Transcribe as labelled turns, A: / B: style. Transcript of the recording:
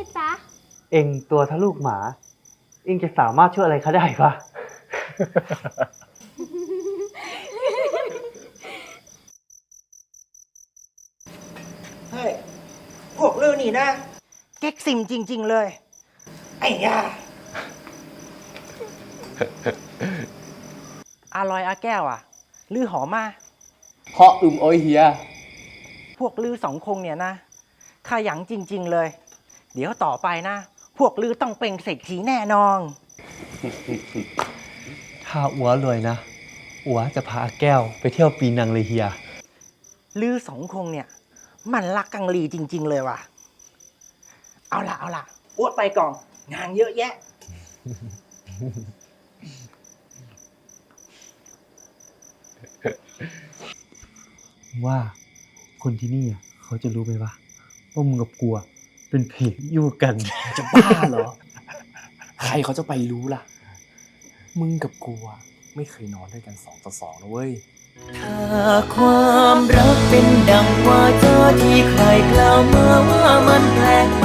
A: จ๊ะ
B: เองตัวทะลูกหมา เองจะสามารถช่วยอะไรเขาได้ปะ
C: เฮ้ย พวกลือนี่นะ เก๊กซิมจริง ๆ เลย ไอ้ยาอร่อยอาแก้วอ่ะ ลือหอมมา
D: เพราะโอ้ยเฮีย
C: พวกลือสองคงเนี่ยนะขยันจริง ๆ เลย เดี๋ยวต่อไปนะ พวกลือต้องเป็นเศรษฐีแน่นอน
B: ถ้าอัวรวยนะ อัวจะพาแก้วไปเที่ยวปีนังเลยเฮีย
C: ลือสองคงเนี่ย มันรักกังลีจริง ๆ เลยว่ะ เอาล่ะอ้วดไปก่อน งานเยอะแยะ
B: ว่าคนที่นี่เขาจะรู้ไหมว่ามึงกับกูเป็นผีอยู่กัน
D: จะบ้าเหรอ ใครเขาจะไปรู้ล่ะ มึงกับกูอะไม่เคยนอนด้วยกัน2 ต่อ 2นะเว้ย
E: ถ้าความรักเป็นดังว่าเธอที่ใครกล่าวมาว่ามันแปลก